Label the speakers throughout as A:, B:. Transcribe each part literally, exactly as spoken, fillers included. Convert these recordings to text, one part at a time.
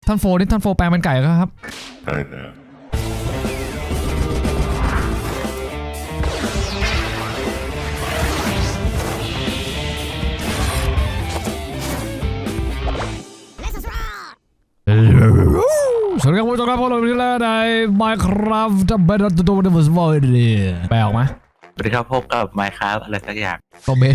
A: ท่านโฟนี่ท่านโฟแปลงเป็นไก่ครับ
B: ใช่แล้ว
A: สวัสดีครับผู้ชมครับพวกเราที่แล้วใน Minecraft จะเป็นตัวเดวิสบอยดีแปลออกไหม
C: สวัสดีครับพบกับ Minecraft อะไรสักอย่าง
A: ก็เบส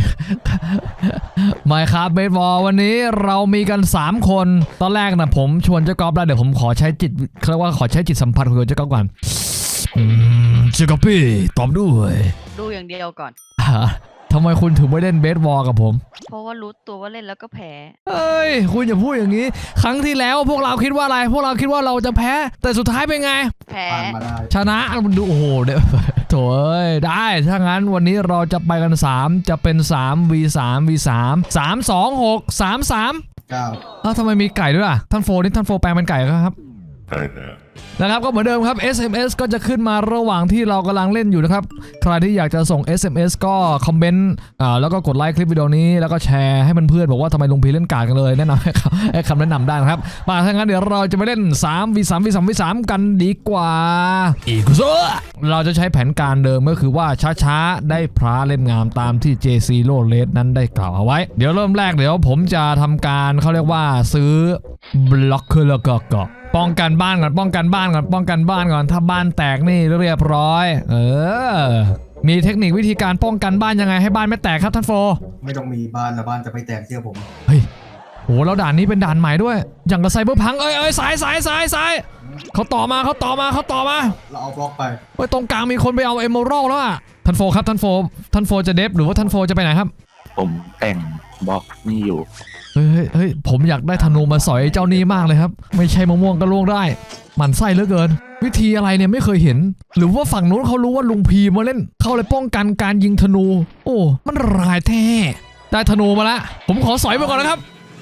A: Minecraft เบสบอลวันนี้เรามีกันสามคนตอนแรกนะผมชวนเจ้ากอล์ฟแล้วเดี๋ยวผมขอใช้จิตเขาเรียกว่าขอใช้จิตสัมผัสของเจ้ากอล์ฟก่อนเจ้ากอล์ฟพี่ตอบด้วย
D: ดูอย่างเดียวก่อน
A: ทำไมคุณถึงไม่เล่นเบสบอลกับผม
D: เพราะว่ารู้ตัวว่าเล่นแล้วก็แพ้
A: เอ้ยคุณอย่าพูดอย่างนี้ครั้งที่แล้วพวกเราคิดว่าอะไรพวกเราคิดว่าเราจะแพ้แต่สุดท้ายเป็นไง
D: แพ้
A: ชนะมันดูโอ้โหเดี๋ยวโถ่เอ้ยได้ถ้างั้นวันนี้เราจะไปกันสามจะเป็นสาม วี สาม วี สาม สาม สอง หก สาม สาม
B: เก้า
A: อ้าวทำไมมีไก่ด้วยล่ะท่านโฟนี่ท่านโฟแปลงเป็นไก่ครับ
B: ใช่แล้ว
A: นะครับก็เหมือนเดิมครับ เอส เอ็ม เอส ก็จะขึ้นมาระหว่างที่เรากำลังเล่นอยู่นะครับใครที่อยากจะส่ง เอส เอ็ม เอส ก็คอมเมนต์อ่าแล้วก็กดไลค์คลิปวิดีโอนี้แล้วก็แชร์ให้เพื่อนๆบอกว่าทำไมลุงพีเล่นกาดกันเลยแนะนำให้ให้คำแนะนำได้นะครับมาถ้างั้นเดี๋ยวเราจะไปเล่น สาม วี สาม วี สาม วี สาม กันดีกว่าอีกซัวเราจะใช้แผนการเดิมก็คือว่าช้าๆได้พระเล่มงามตามที่ เจ ซี Zero Red นั้นได้กล่าวเอาไว้เดี๋ยวเริ่มแรกเดี๋ยวผมจะทำการเขาเรียกว่าซื้อบล็อกเกอร์แล้วก็ป้องกันบ้านก่อนป้องกันบ้านก่อนป้องกันบ้านก่อนถ้าบ้านแตกนี่เรียบร้อยเออมีเทคนิควิธีการป้องกันบ้านยังไงให้บ้านไม่แตกครับท่านโฟ
B: ไม่ต้องมีบ้านแล้วบ้านจะไม่แตกเชื่อผม
A: เฮ้ยโหแล้วด่านนี้เป็นด่านใหม่ด้วยอย่างกับไซเบอร์พังเอ้ยเอ้ยสายสายสายสายเขาต่อมาเขาต่อมาเขาต่อมา
B: เราเอาบล็อกไป
A: เฮ้ยตรงกลางมีคนไปเอาเอเมอรัลแล้วอ่ะท่านโฟครับท่านโฟท่านโฟจะเดฟหรือว่าท่านโฟจะไปไหนครับ
C: ผมแต่งบล็อกนี่อยู่
A: เฮ้ยเฮ้ยผมอยากได้ธนูมาสอยเจ้านี้มากเลยครับไม่ใช่มะม่วงก็ล่วงได้หมั่นไส้เหลือเกินวิธีอะไรเนี่ยไม่เคยเห็นหรือว่าฝั่งนู้นเขารู้ว่าลุงพีมาเล่นเขาเลยป้องกันการยิงธนูโอ้มันรายแท้ได้ธนูมาแล้วผมขอสอยไปก่อนนะครับ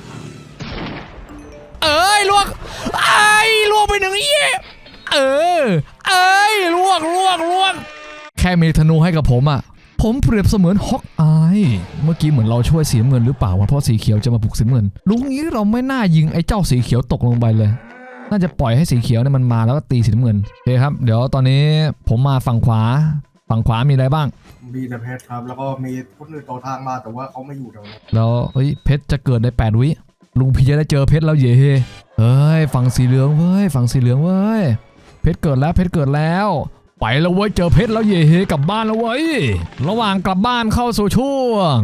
A: เอ้ยลวกไอ้ลวกไปหนึ่งเอี้ยเออเอ้ยลวกลวกลวกแค่มีธนูให้กับผมอ่ะผมเปรียบเสมือนฮอกอายเมื่อกี้เหมือนเราช่วยสีน้ำเงินหรือเปล่าวะเพราะสีเขียวจะมาปลุกสีน้ำเงินลุงนี้เราไม่น่ายิงไอ้เจ้าสีเขียวตกลงไปเลยน่าจะปล่อยให้สีเขียวเนี่ยมันมาแล้วก็ตีสีน้ำเงินโอเคครับเดี๋ยวตอนนี้ผมมาฝั่งขวาฝั่งขวามีอะไรบ้าง
B: มีแต่เพชรครับแล้วก็มีคนอื่นต่อทางมาแต่ว่าเขาไม่อยู่ตรงนี้
A: แล้วเฮ้ยเพชรจะเกิดในแปดวิลุงพี่จะได้เจอเพชรแล้วเย่เฮ้ยฝั่งสีเหลืองเว้ยฝั่งสีเหลืองเว้ยเพชรเกิดแล้วเพชรเกิดแล้วไปแล้วเว้ยเจอเพชรแล้วเย่กลับบ้านแล้วเว้ยระหว่างกลับบ้านเข้าสู่ช่วง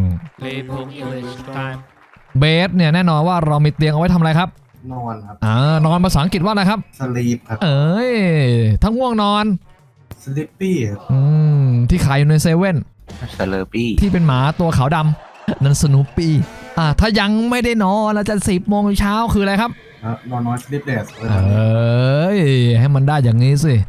A: เบสเนี่ยแน่นอนว่าเรามีเตียงเอาไว้ทำอะไรครับ
B: นอนครับ
A: อ่านอนภาษาอังกฤษว่าอะไรครับ
B: สลีปครับ
A: เอ้ยทั้งง่วงนอน
B: สลิปปี้
A: อืมที่ขายอยู่ในเซเว่น
C: สเลอร์ปี้
A: ที่เป็นหมาตัวขาวดำนั่นสนูปี้อ่าถ้ายังไม่ได้นอนเราจะสิบโมงเช้าคืออะไรครับ
B: นอนน้อยสลิปเลส
A: เอ้ยให้มันได้อย่างนี้สิ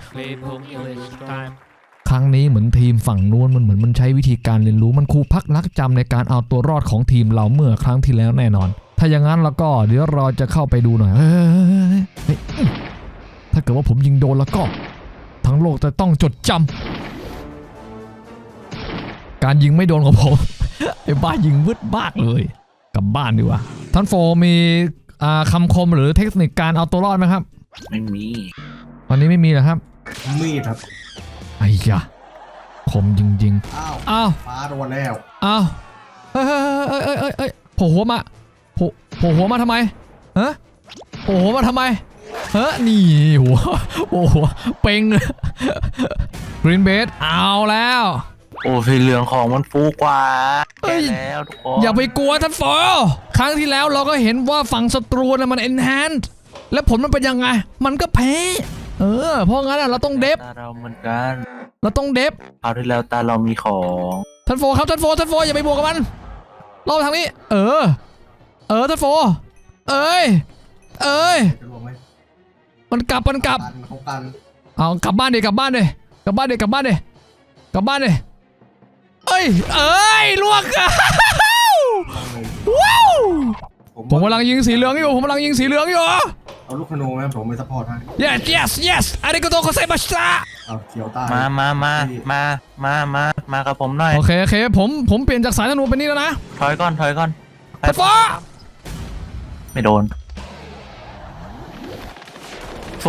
A: ครั้งนี้เหมือนทีมฝั่งนู้นมันเหมือนมันใช้วิธีการเรียนรู้มันครูพักรักจำในการเอาตัวรอดของทีมเราเมื่อครั้งที่แล้วแน่นอนถ้าอย่างนั้นแล้วก็เดี๋ยวเราจะเข้าไปดูหน่อยเฮ้ยถ้าเกิดว่าผมยิงโดนแล้วก็ทั้งโลกจะต้องจดจำการยิงไม่โดนของผมไอ้บ้ายิงวึดบ้าเลยกลับบ้านดีกว่าท่านโฟมีคำคมหรือเทคนิคการเอาตัวรอดไหมครับ
C: ไม่มี
A: วันนี้ไม่มีเหรอครับ
B: มีครับ
A: ไอ้ยะคมจริงๆ
B: อ้าว
A: อ้าว
B: ฟ้าโดนแล้ว
A: อ้าวเฮ้ยเฮ้ยเฮ้ยเฮ้ยเฮ้ยเฮ้ยโผล่หัวมาโผล่โผล่หัวมาทำไมฮะโผล่หัวมาทำไมเฮ้ยนี่หัวโอ้โหเป่งกรีนเบสเอาแล้ว
C: โอ้สีเหลืองของมันฟูกว่าแก่แล้วทุกคน
A: อย่าไปกลัวท่านโฟครั้งที่แล้วเราก็เห็นว่าฝั่งศัตรูนะมันเอ็นแฮนด์แล้วผลมันเป็นยังไงมันก็แพ้เออเพราะงั้นเราต้องเดฟ
C: ตาเราเหมือนกัน
A: เราต้องเดฟ
C: เอาที่แล้วตาเรามีของ
A: ท่านโฟครับท่านโฟท่านโฟอย่าไปบวกกับมันเราทางนี้เออเออท่านโฟเอ้ยเอ้ยมันกลับมันกลับเอากลับบ้านดิกลับบ้านดิกลับบ้านดิกลับบ้านดิกลับบ้านดิเอ้ยเอ้ยลวกว้าวผมกำลังยิงสีเหลืองอยู่ผมกำลังยิงสีเหลืองอยู่
B: เอาลูกธนูไหมผมไปซัพพอร์ตให้
A: yes yes yes อาริโกโตโคเซมาสตา
B: เอาเขียวตาย
C: มามามามามามามากับผมหน่อย
A: โอเคโอเคผมผมเปลี่ยนจากสายธนูเป็นนี่แล้วนะ
C: ถอยก่อนถอยก่อน
A: ไปฟ้า
C: ไม่โดน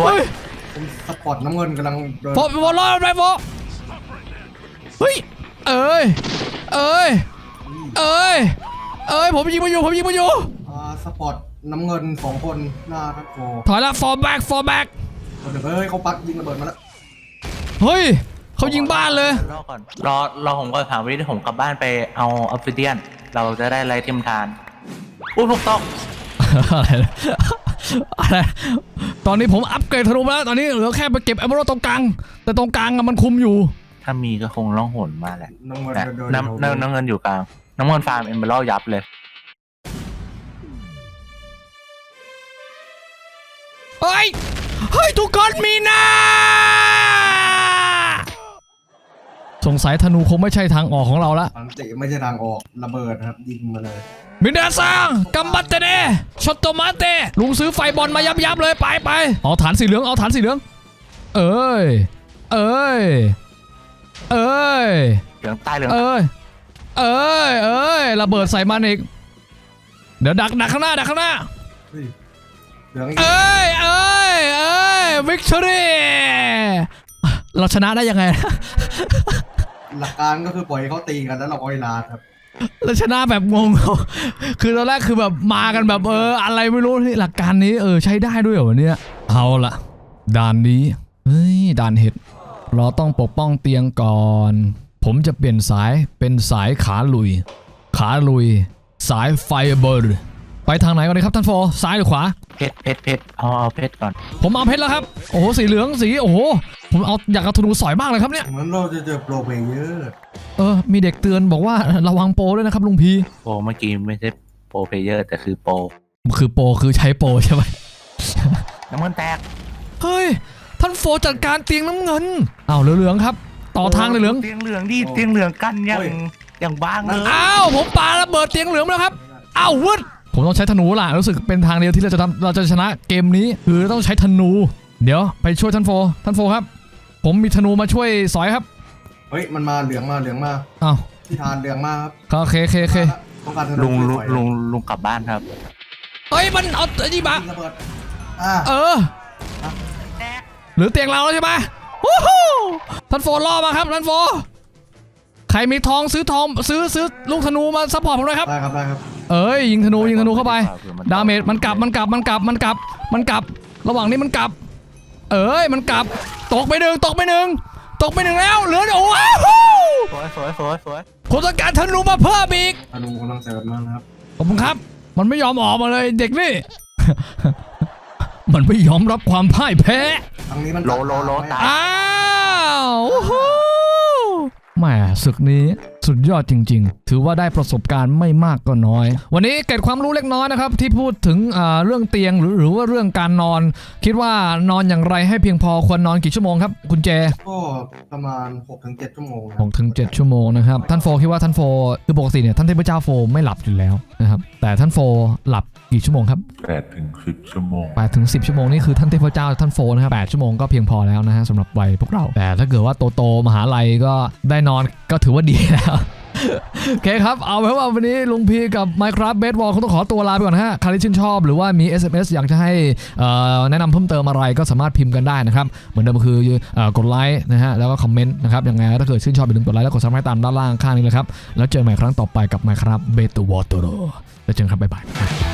C: วย
B: ผมสปอร์ตน้ำเงินกำลังเดิน
A: โฟโฟรอดไปโฟเฮ้ยเอ้ยเอ้ยเอ้ยเอ้ยผมยิงมาอยู่ผมยิงมาอยู่
B: อ่าสปอร์ตน้ำเงินสองคนหน้าทักโฟ
A: ถอยละฟอร์แบ็กฟอร์แบ็ก
B: คนเดียวเฮ้ยเขาปักยิงระเบิดมาแล้ว
A: เฮ้ยเขายิงบ้านเลย
C: รอก่อนรอรอผมก่อนถามวิธีผมกลับบ้านไปเอาออฟฟิเดียนเราจะได้ไรเทียมทานอุ้ยถูกต้อง
A: อะไรนะอะไรตอนนี้ผมอัปเกรดธนูมาแล้วตอนนี้เหลือแค่ไปเก็บเอเมอรัลตรงกลางแต่ตรงกลางอะมันคุมอยู่
C: ถ้ามีก็คงล่องหนมาแหละ
B: น้ำเงิน
C: แต่
B: เดิน
C: น้ำน้ำน้ำเงินอยู่กลางน้ำเงินฟาร์มเอมเบอร์ยับเลย
A: เฮ้ยเฮ้ยทุกคนมีนาสงสัยธนูคงไม่ใช่ทางออกของเราละ
B: อันติไม่ใช่ทางออกระเบิดนะครับยิงมาเลย
A: มินาซังกัมบัตเตเนชอตโตมาเตลุงซื้อไฟบอลมายับยับเลยไปไปเอาฐานสีเหลืองเอาฐานสีเหลืองเอ้ยเอ้ยเอ้ย
C: เหลืองใต้เหลือง
A: เอ้ยเอ้ยเอ้ยระเบิดใส่มันอีกเดี๋ยวดักดักข้างหน้าดักข้างหน้า
B: เฮ้ยเหลืองอีก
A: เอ้ยเอ้ยเอ้ยวิกตอรี่เราชนะได้ยังไง
B: หลักการก็คือปล่อยให้เขาตีกันแล้วเราก็เวลาครับ
A: เราชนะแบบงง คือตอนแรกคือแบบมากันแบบเอออะไรไม่รู้นี่หลักการนี้เออใช้ได้ด้วยเหรอวะเนี่ยเอาละด่านนี้เฮ้ยด่านเห็ดเราต้องปกป้องเตียงก่อน ผมจะเปลี่ยนสายเป็นสายขาลุย ขาลุย สายไฟเบอร์ไปทางไหนก่อนดีครับท่านโฟซ้ายหรือขวา
C: เพชรเพชรเพชรเอาเอาเพชรก่อน
A: ผมเอาเพชรแล้วครับโอ้โหสีเหลืองสีโอ้โหผมเอาอยากเอาธนูสอยมากเลยครับเนี่ย
B: เหมือนเราจะเจอโปรเพลเยอร์
A: เออมีเด็กเตือนบอกว่าระวังโปรด้วยนะครับลุงพี
C: โปรเมื่อกี้ไม่ใช่โปรเพลเยอร์แต่คือโปร
A: คือโปรคือใช้โปรใช่ไหม
C: น้ำเงินแตก
A: เฮ้ยท่านโฟจัดการเตียงน้ำเงินอ้าวเหลืองๆครับต่อทางเหลือง
C: เตียงเหลืองดิเตียงเหลืองกันอย่างอย่างบ้างเลย
A: อ้าวผมปาระเบิดเตียงเหลืองแล้วครับอ้าววึดผมต้องใช้ธนูล่ะรู้สึกเป็นทางเดียวที่เราจะทำเราจะชนะเกมนี้คือต้องใช้ธนู เดี๋ยวไปช่วยท่านโฟท่านโฟครับผมมีธนูมาช่วยสอยครับ
B: เฮ้ยมันมาเหลืองมาเหลืองมา
A: อ้าว
B: ที่ทานเหลืองมาครับ
A: โอเคโอเคโอเค
B: ต้องการธนู
C: ลุงลุง
B: ช่วย
C: ลุงลุงกลับบ้านครับ
A: เฮ้ยมันเอาไอ้นี่มา
B: ยิงระเบิดอ่า
A: เออหรือเตียงเราแล้วใช่ไหมวู้ฮู้ท่านโฟล่อมาครับท่านโฟใครมีทองซื้อทองซื้อซื้อลูกธนูมาซัพพอร์ตผมหน่อยครับ
B: ได้ครับได้ครับ
A: เอ้ยยิงธนูยิงธนูเข้าไปดาเมจมันกลับมันกลับมันกลับมันกลับมันกลับ ระหว่างนี้มันกลับ เอ้ยมันกลับตกไปหนึ่งตกไปหนึ่งตกไปหนึ่งแล้วเหลือโอ้โห
C: สวยสวยสวยสวย
A: ผมต้องการธนูมาเพิ่มอีก
B: ธนูกำลังเสริมมานะครับ
A: ขอบคุณครับ มันไม่ยอมออกมาเลยเด็กนี่ มันไม่ยอมรับความพ่ายแพ้
B: ทางนี้มัน
C: โลโลโลตาย
A: อ้าวโอ้โหแหมศึกนี้สุดยอดจริงๆ ถือว่าได้ประสบการณ์ไม่มากก็น้อย วันนี้เกร็ดความรู้เล็กน้อยนะครับที่พูดถึงเรื่องเตียงหรือหรือว่าเรื่องการนอน คิดว่านอนอย่างไรให้เพียงพอควรนอนกี่ชั่วโมงครับคุณเจ
B: ก็ประมาณ หกถึงเจ็ด ชั่วโมงนะ
A: หกถึงเจ็ดชั่วโมงนะครับท่านโฟคิดว่าท่านโฟคือปกติเนี่ยท่านเทพเจ้าโฟไม่หลับอยู่แล้วนะครับแต่ท่านโฟหลับกี่ชั่วโมงครับ
E: แปดถึงสิบชั่วโมง
A: แปดถึงสิบชั่วโมงนี่คือท่านเทพเจ้าท่านโฟนะครับแปดชั่วโมงก็เพียงพอแล้วนะฮะสำหรับวัยพวกเราแต่ถ้าเกิดว่าโตโตๆมหาลัยก็ได้นอนก็ถือว่าดีแล้ว โอเคครับเอาไว้ว่าวันนี้ลุงพีกับ Minecraft Bed Wars เขาต้องขอตัวลาไปก่อนนะฮะใครที่ชื่นชอบหรือว่ามี เอส เอ็ม เอส อยากจะให้แนะนำเพิ่มเติมอะไรก็สามารถพิมพ์กันได้นะครับเหมือนเดิมคือกดไลค์นะฮะแล้วก็คอมเมนต์นะครับยังไงถ้าเกิดชื่นชอบอย่าลืมกดไลค์แล้วกดซับสไครต์ตามด้านล่างข้างนี้เลยครับแล้วเจอกันใหม่ครั้งต่อไปกับ Minecraft Bed Wars แล้วเจอกันครับบ๊ายบาย